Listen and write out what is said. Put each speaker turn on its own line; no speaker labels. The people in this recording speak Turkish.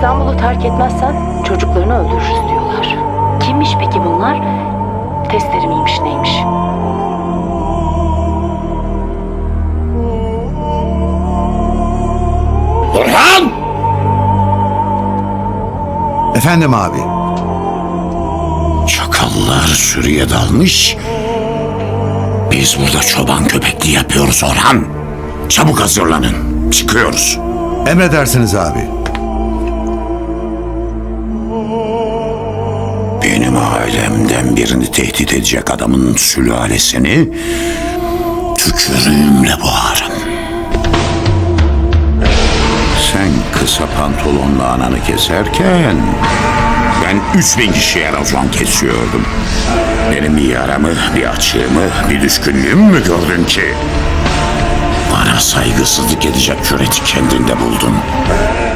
İstanbul'u terk etmezsen çocuklarını öldürürüz diyorlar. Kimmiş peki bunlar? Testleri miymiş neymiş?
Orhan!
Efendim abi.
Çakallar sürüye dalmış. Biz burada çoban köpekliği yapıyoruz Orhan. Çabuk hazırlanın. Çıkıyoruz.
Emredersiniz abi.
Benim ailemden birini tehdit edecek adamın sülalesini tükürüğümle boğarım. Sen kısa pantolonla ananı keserken ben 3000 kişiye racon kesiyordum. Benim bir yaramı, bir açığımı, bir düşkünlüğümü mü gördün ki? Bana saygısızlık edecek cüreti kendinde buldun.